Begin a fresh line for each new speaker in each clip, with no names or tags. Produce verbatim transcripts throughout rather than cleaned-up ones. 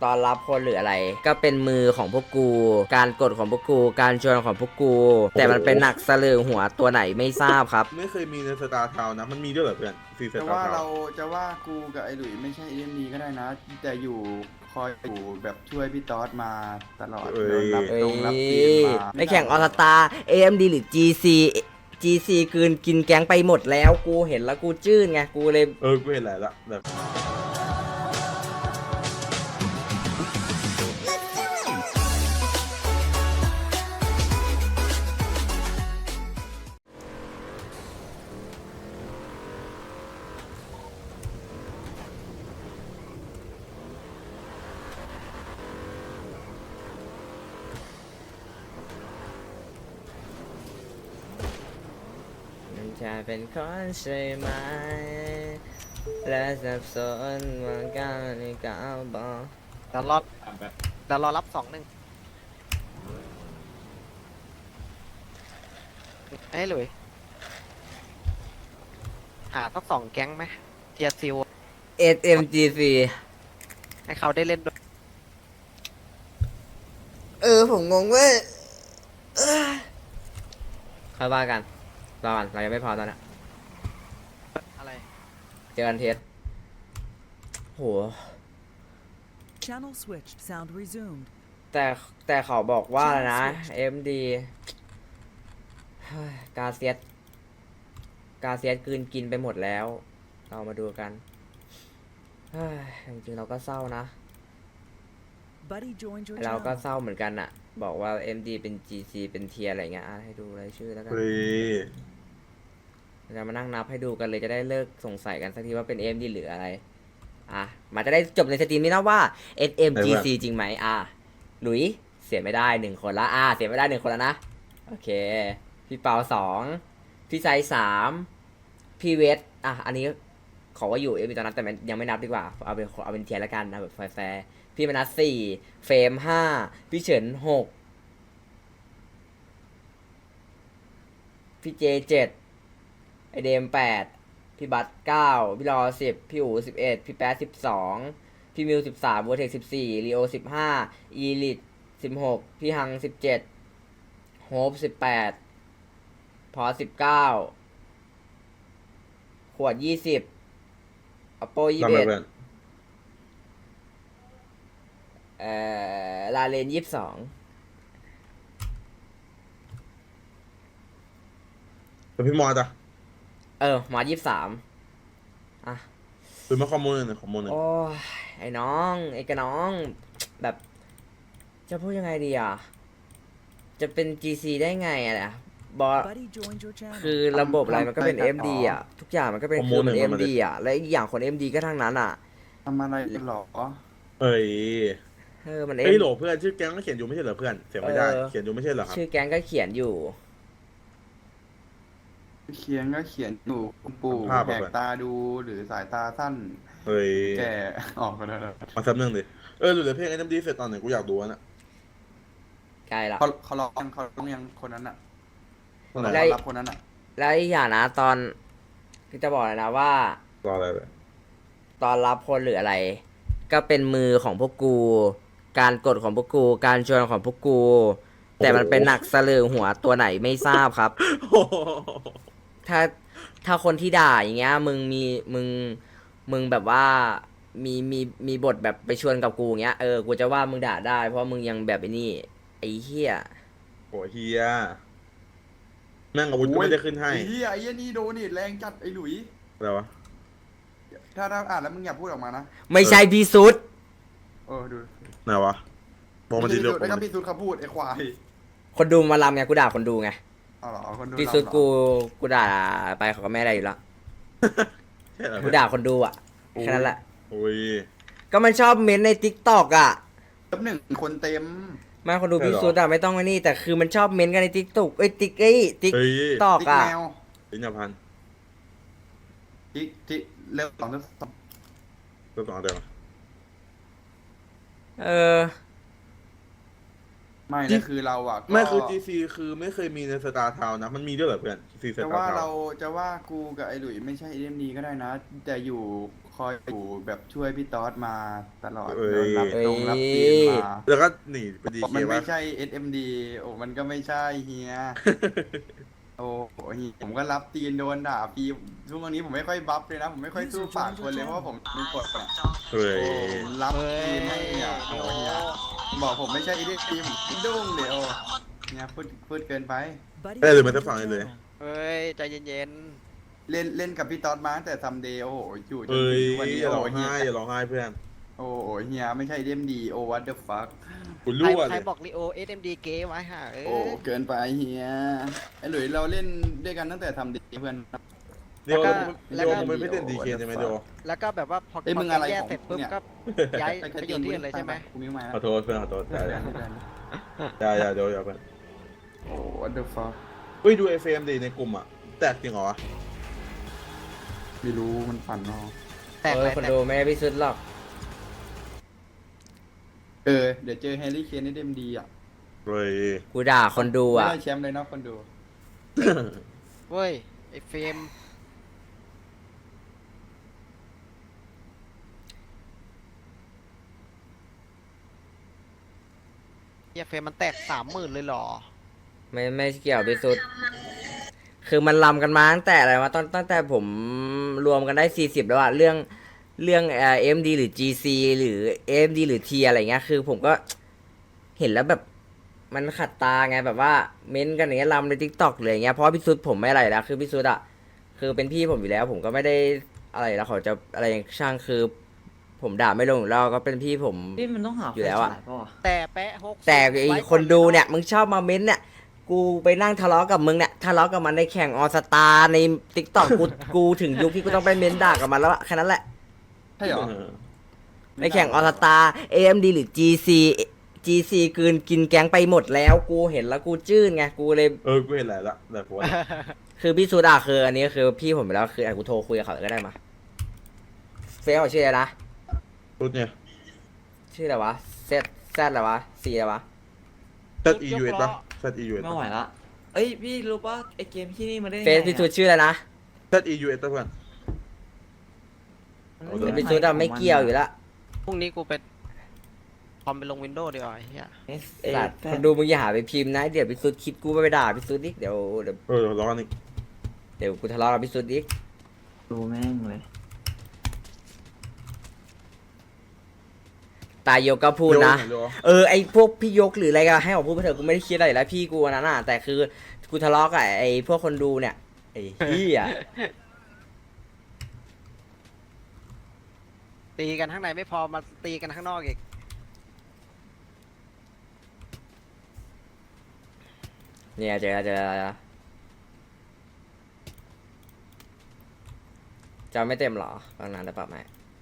ตอนรับคนหรืออะไรก็เป็นมือของพวกกู การกดของพวกกู การชวนของพวกกู แต่มันเป็นหนักสลือหัวตัวไหนไม่ทราบครับ
ไม่เคยมีในสตาร์ทาวนะมันมีด้วยเหรอเพื่อนซีส
จะ
ตาร์
ว่า
ทา
เรา
ว
จะว่ากูกับไอ้หลุยไม่ใช่เอ็มดีก็ได้นะ แต่อยู่คอยอยู่แบบช่วยพี่ต๊อดมาตลอด
เอ้ย
รับ
เอ้
ตรงรับเกม
ย
มา
ในแข่งออสตา เอ็ม ดี หรือ จี ซี จี ซี กืนกินแก๊งไปหมดแล้วกูเห็นแล้วกูจื้นไงกูเลย
เออกูเห็นหลายละแบบ
มันจะเป็นคนใช่ไหม และสับสนว่าก้าวนี้ก้าวบอก
เดี๋ยวรอเดี๋ยวรอรับสองหนึ่งเอ้ยหลุยหาสักสองแก๊งไหมเทียซิล
เอส เอ็ม จี ซี
ให้เขาได้เล่นด้วย
เออผมงงเว้ยเอ้ยค่อยว่ากันรอกันเรายังไม่พอตอนนี้
อะไร
เจอกันเทสโห
Channel switched. Sound resumed.
แต่แต่เขาบอกว่าอะไรนะ เอ็ม ดี กาเซียสกาเซียสกลืนกินไปหมดแล้ว เรามาดูกันเฮ้ยจริงๆเราก็เศร้านะ
Buddy joined your
เราก็
channel.
เศร้าเหมือนกันอะบอกว่า เอ็ม ดี เป็น จี ซี เป็นเทียอะไรเงี้ยอ่ะให้ดูรายชื่อแล้วกัน
เฮ้ย
เรามานั่งนับให้ดูกันเลยจะได้เลิกสงสัยกันสักทีว่าเป็น เอ็ม ดี หรืออะไรอ่ะมันจะได้จบในสตรีมนี้นะว่า เอส เอ็ม จี ซี จริงไหมอ่ะหลุยเสียไม่ได้หนึ่งคนละอ่ะเสียไม่ได้หนึ่งคนแล้วนะโอเคพี่เปาสองพี่ไซสามพี่เวทอ่ะอันนี้ขอว่าอยู่เอ็ม ดี ตอนนั้นแต่มันยังไม่นับดีกว่าเอาเป็นเอาเป็นเทียร์แล้วกันนะแบบแฟร์ๆพี่มนัสสี่เฟรมห้าพี่เฉินหกพี่เจเจ็ดไอเดมแปดพี่บัตเก้าพี่รอสิบพี่อูสิบเอ็ดพี่แป๊ดสิบสองพี่มิวสิบสามวัวเทคสิบสี่ลีโอสิบห้าอีลิทสิบหกพี่ฮังสิบเจ็ดโฮปสิบแปดพอสิบเก้าขวดยี่สิบอโปยี่
ทำ
สิบ
ไม
เอ็ด
เพื่อน
เอ่อลาเลนยี่สิบสอง
แต่พี่มอสอะ
เออมายี่สิบสามอ่ะ
เป็นมาข้อมูลหนึ่งข้อมูลหนึ่ง
โอ้ยไอ้น้อง ไอ้กระน้อง แบบ จะพูดยังไงดีอ่ะ จะเป็น จี ซี ได้ไงอะเนี่ยบอส
Buddy joined your channel.
คือระบบอะไรมันก็เป็น เอ็ม ดี อ่ะ ทุกอย่างมันก็เป็นคือมัน เอ็ม ดี อ่ะ และอีกอย่างคน เอ็ม ดี ก็ทั้งนั้นอ่ะ
ทำอะไรกันหรอ
เอ้ย
เออมัน
เอ้ย
M
โหลเพื่อนชื่อแก๊งก็เขียนอยู่ไม่ใช่เหรอเพื่อนเสียไม่ได้
เออ
เขียนอยู่ไม่ใช่เหรอครับ
ชื่อแก๊งก็เขียนอยู่
เขียนก็เขียนอยู่คุณปู่
ภาพ
แห
อะ
กตาดูหรือสายตาสั้น
เฮ้ย
แก่ ออกมาแล้วนะ
มาซับหนึ่งดิเออหรือเพลงไอ้น้ำดีเสร็จตอนไหนกูอยากดูนะ
ใกล้ละ
เขาเขาร้องเขาร้องยังคนนั้นอ่ะ
ตอนไหน
ได้
เขารับคนนั้นอ่ะ
แล้วอีกอย่างนะตอนคือจะบอกเลยนะว่า
รออะไรเลย
ตอนรับคนหรืออะไร ก็เป็นมือของพวกกู การกดของพวกกู การชวนของพวกกู แต่มันเป็นหนักสลือหัวตัวไหนไม่ทราบครับ
โอ้โห
ถ้าถ้าคนที่ด่าอย่างเงี้ยมึงมีมึงมึงแบบว่ามีมีมีบทแบบไปชวนกับกูอย่างเงี้ยเออกูจะว่ามึงด่าได้ เพราะมึงยังแบบไอ้นี่ไอ้เหี้ย
โหเฮียแม่งอาวุธก็ไม่ได้ขึ้นให้
ไอ้เหี้ยไอ้เหี้ยนี่โดนนี่แรงจัดไอ้หลุย
อะไรวะ
ถ้าถ้าอ่านแล้วมึงอย่าพูดออกมานะ
ไม่ใช่พี่สุด
เออดู
ไหนวะบอกมาดีเร็ว
แล้วก็พี่สุดเขาพูดไอ้ควาย
คนดูมาลำไงกูด่าคนดูไง
เอาเหรอคนดู
พี่สุด
เราเหรอ
กูกูด่าไปเขาก็ไม่ได้อยู่แล้ว
ใช่เหรอ
กูด่าคนดูอ่ะแค่นั้นแหละ
โอ้ย
ก็มันชอบเม้นต์ในทิกตอกอ่ะ
ลบหนึ่งคนเต็ม
ไม่คนดู
ใช่
พี่
เหรอ
สุดอะไม่ต้องไอ้นี่แต่คือมันชอบเม้นต์กันในทิกตอกเอ้ยติ๊กเอ้ยติ๊ก
เฮ้ย
ตอก
ติ๊ก
อ่ะ
แมว
ลิ้นยาพัน
ติ๊กติ๊กเร็วสองเร็วสอง
ตัวต่อเดี๋ยวมา
เออ
ไม่นะคือเราอ่ะก็
ไม่คือ จี ซี คือไม่เคยมีในสตาร์ทาวนะมันมีด้วยเหรอเพื่อน จี ซี ส
จะ
ตา
ว่า
ร์ทา
เรา
ว
จะว่ากูกับไอ้หลุยไม่ใช่เอ็มดีก็ได้นะ แต่อยู่คอยอยู่แบบช่วยพี่ต๊อดมาตลอด
เอ้ย
แล้วรับตรงรับเกมมา
แล้วก็หนีไปดี
บอก
เค
มัน
ว่า
ไม่ใช่ เอส เอ็ม ดี โอ้มันก็ไม่ใช่เฮีย โอ้โหเฮียผมก็รับตีนโดนด่าฟรีช่วงนี้ผมไม่ค่อยบัฟเลยนะ ผมไม่ค่อยสู้ปากคนเลยเพราะว่าผมมีกฎอะ
เฮ้ย
โอ้ผมรับตีนให้เนี่ยโอ้เฮียบอกผมไม่ใช่ เอส เอ็ม ดี ผมดุ้งเดี๋ยวเนี่ยพูดพูดเกินไป
Buddy
เอ้ยหรือ
joined
มันจะ
your
ฟังเลย
channel.
เฮ้ย ใจเย็น
เล่นเล่นกับพี่ต๊อดมาตั้งแต่ซัมเดย์โอ้โหอยู่จน
เฮ้ย
ถึงทุกวันนี้
อย่า
โอ้
ร้อง
เฮีย
ไห้อย่าร้องไห้เพื่อน
โอ้โหเฮียไม่ใช่ เอส เอ็ม ดี โอ้ what the fuck
กู
ๆ ใคร
รั่ว
ใค
เล
ร
ย
บอกลีโอ เอส เอ็ม ดี เก๋ไว้ห่าเอ้
โอ้
ย
เกินไปเฮียไอ้หลุยเราเล่นด้วยกันตั้งแต่ทำดีเพื่อน
เดี๋ยว
แล้วก็
เดี๋ยวมึงไม่เล่นดีเคใช่ไหมเดี๋ยว
แล้วก็แบบว่าพอ
เอ้ย
พ
มึงอะไร
แยก
ของ
เสร็จปุ๊บ
เนี่ย
ก็ย้าย
ไป
ไปอยู่ที่อื่นเลยใช่ไหม
กูมิ้วมา
ขอโทษเพื่อนขอโทษ
ได้
ได้
ได้
ได้ได้ได้เดี๋ยวเดี๋ยวเพื่อน
โอ้ what the fuck
เฮ้ยดู เอฟ เอ็ม ดีในกลุ่มอ่ะแตกจริงเหรอวะ
ไม่รู้มันฝันเนาะ
แตก
เอ
เล
อย คน
แตก
ดูไม่ได้พิสุดหรอก
เออเดี๋ยวเจอแฮร์รี่เคนนี่เดมดีอ่ะ
เฮ้ย
กูด่าคนดู
ไม่
อ่ะ
ได้แชมป์เลยเนาะคนดู
เว้ย ไอ้เฟรมเฮียเฟรมมันแตกสามหมื่นเลยเหรอ
ไม่ไม่เกี่ยวพิสุดคือมันลำกันมาตั้งแต่อะไรวะตอนตั้งแต่ผมรวมกันได้สี่สิบแล้วอะเรื่องเรื่องเอ็มดีหรือ จี ซี หรือ เอ็ม ดี หรือ T อะไรเงี้ยคือผมก็เห็นแล้วแบบมันขัดตาไงแบบว่าเม้นต์กันอย่างเงี้ยลำในทิกตอกเลยอย่างเงี้ยเพราะว่าพี่สุดผมไม่อะไรแล้วคือพี่สุดอะคือเป็นพี่ผมอยู่แล้ว ผมก็ไม่ได้อะไรแล้วเขาจะอะไรช่างคือ ผมด่าไม่ลงอยู่แล้วก็เป็นพี่ผม
พี่มันต้องหา
อยู่แล้วอะ
ไฟฉายเปล่าวะ
แต่แปะหก
แต่ไอคนดูเนี่ยมึงชอบมาเม้นต์เนี่ยกูไปนั่งทะเลาะกับมึงเนี่ยทะเลาะกับมันในแข่งออสตาในติ๊กต็อกกูกูถึงยุคที่กูต้องไปเม้นด่ากับมันแล้วอะแค่นั้นแหละ
ใช่เหรอ
ในแข่งออสตา เอ เอ็ม ดี หรือ จี ซี จี ซี กืนกินแก๊งไปหมดแล้วกูเห็นแล้วกูจื้นไงกูเลย
เออกูเห็นหลายละแต่ผมว่า
คือพี่ซูดาคืออันนี้คือพี่ผมไปแล้วคืออ่ะกูโทรคุยกับเขาก็ได้มาเฟซเขาชื่ออะไรนะ
รุดเนี่ย
ชื่ออะไรวะเซตแซดอะไรวะซีอะไรวะ
Z E U S ป่ะ Z E U S
ไม่ไหวละ เอ้ยพี่รู้ป่ะไอเกมที่นี่มันได้ยัง
เฟ
ไง
ซพี่ซู
อะ
ชื่ออะไรนะ
Z E U S ป่ะเพื่อน
มัน
เอา
ไม่
เดี๋ยว
มี
พี่ซูดาไม่เกี่ยวอยู่แล้ว
พรุ่งนี้กูไปคอมไปลงวินโดว์ดีกว่าไอ้เฮีย
เอสเอ
สัตว์คนดูมึงอย่าหาไปพิมพ์นะเดี๋ยวพี่ซูดคิดกูไปด่าพี่ซูดอีกเดี๋ยวเดี๋ยว
เออร้อนอีก
เดี๋ยวกูทะเลาะกับพี่ซูดอีก
ดูแม่งเลย
ตายโยก็พูดนะ
เดี๋ยว
เออไอพวกพี่ยกหรืออะไรก็ให้ออกพูดไปเถอะกูไม่ได้คิดอะไรอยู่แล้วพี่กูอันนั้นน่ะแต่คือกูทะเลาะกับไอพวกคนดูเนี่ยไอ้เหี้ย
ตีกันข้างในไม่พอมาตีกันข้างนอกอีก
เนี่ยเจอแล้วเจอแล้วจอไม่เต็มเหรอบางนานได้ปรับไหม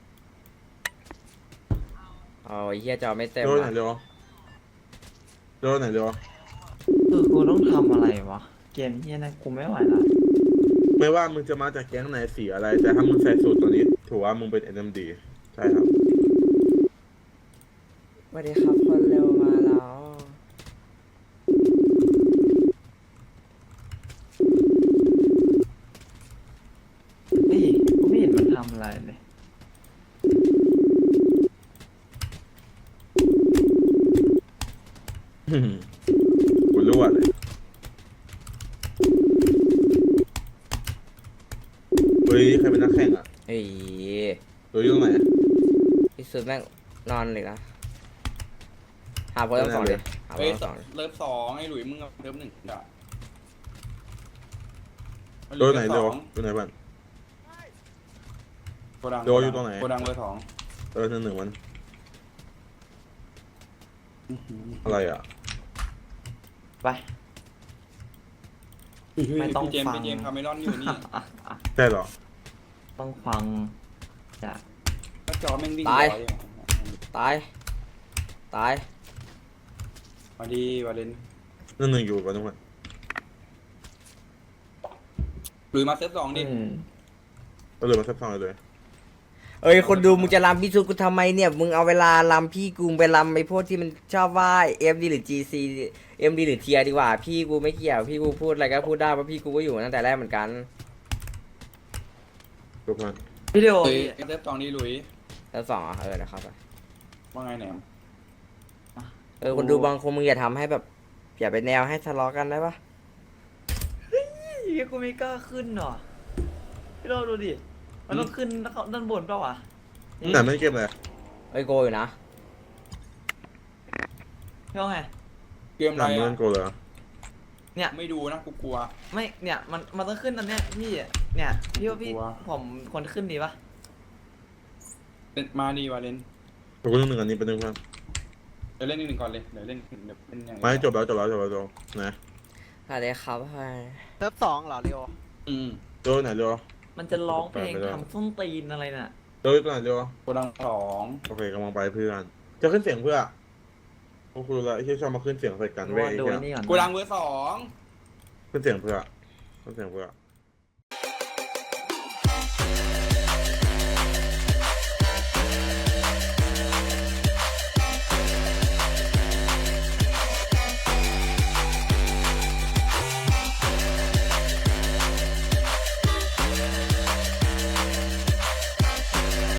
เอาไอ้เหี้ยจอไม่เต็ม
เดี๋ยวไหน
อะ
เดี๋ยวเดี๋ยวไหนเดี๋ยว
คือกูต้องทำอะไรวะ เกมที่นั่นกูไม่ไหวละ
ไม่ว่ามึงจะมาจากแก๊งไหนสีอะไร แต่ถ้ามึงใส่สูตรตัวนี้ถือว่ามึงเป็น เอ็น เอ็ม ดี ใช่ครับ
สวัสดีครับคนเร็วมาแล้ว
เฮ้ยกูไม่เห็นมันทำอะไรเลย
กูรู้อะเลยเฮ้ยใครเป็นนักแข่งอ่ะ
เฮ้ย
เฮ้ยอยู่ตรงไหน
พี่สุดแม่งนอนเลยนะหาโพสต์ทั้งสองเลยหาโพส
เฮ้ย
ต์ทั้งสองเลย
เลิฟสองไอ้หลุยมึงเอาเลิฟหนึ่งด่า
โดนไหนเดี๋ยวโดนไหนบ้าง
โกดัง
โดอยู่ตรงไหน
โกดังเบอร์สอง
เออหนึ่งหนึ่งมันอะไรอ่ะ
ไป ไม่ต้อง
พี่เจมส์
ฟัง
พี่เจมส์คาเมรอนอยู่นี่
อ่ะอ่ะ
ใช่เหรอ
ต้องฟังจาก
ก็จอแม่งวิ่ง
ตาย
ร้อ
ตายตาย
มาดีวาเลน
หนึ่งหนึ่งอยู่กันทุกคน
หลุยมาเซิร์ฟสองดิ
อืม
ก็เลยมาซับซ้อนเลย
เอ้ยคนดูมึงจะรำพี่สุดกูทำไมเนี่ยมึงเอาเวลารำพี่กูไปรำไอ้พวกที่มันชอบว่า เอฟ ดี หรือ จี ซี เอ็ม ดี หรือ ที ดีกว่า พี่กูไม่เกี่ยวพี่กูพูดอะไรก็พูดได้เพราะพี่กูก็อยู่มาตั้งแต่แรกเหมือนกัน
ทุกคน
พี่เดียว
หลุย
พี่
เริ่มตองนี้หลุย
แล้วสองอ่ะเออนะครับ
ว่าไงแหนม
เออคนดูบางคนมึงอย่าทำให้แบบอย่าไปแนวให้ทะเลาะกันได้ปะ
เฮียกูไม่กล้าขึ้นหรอพี่เราดูดิมันต้องขึ้นด้านบนเปล่าวะ
ไหนไม่เก็บเลย
ไอ้ยโกอยู่นะ
พี่ว่าไง
เกม
ห
อะไร
นังเมื่อ
อ่ะ
นกูเลย
เนี่ย
ไม่ดูนะกูกลัว
ไม่เนี่ยมันมันต้องขึ้นอันเนี้ยพี่เนี่ยพี่ว่าพี่
กลัว
ผมควรขึ้นดีปะ
เล่นมาดีวะเล่น
กูต้องหนึ่งอันนี้เป็นหนึ่งเพื่อน
เดี๋ยวเล่นหนึ่งก่อนเลยเดี๋ยวเล่นเดี๋ยวเล่นอย่าง
ไม่จบแล้วจบแล้วจบแล้วจบนะ
อะไรครับให้
เซิร์ฟสองเหรอเรียว
อืม
โจไหนโจ
มันจะร้องเพลง
ไปไม่ได้
ทำส้นตีนอะไรน่ะ
โจตัวไหนโจ
โกดังสอง
โอเคกำลังไปเพื่อน จะขึ้นเสียงเพื่อพวกกูรู้และไอ้ที่ชอบมาขึ้นเสียงใส่กันเว้ยไอ้
ดู
เหี้ย
นี่ก่อน
โกดังเบอร์สอง
ขึ้นเสียงเพื่อขึ้นเสียงเพื่อ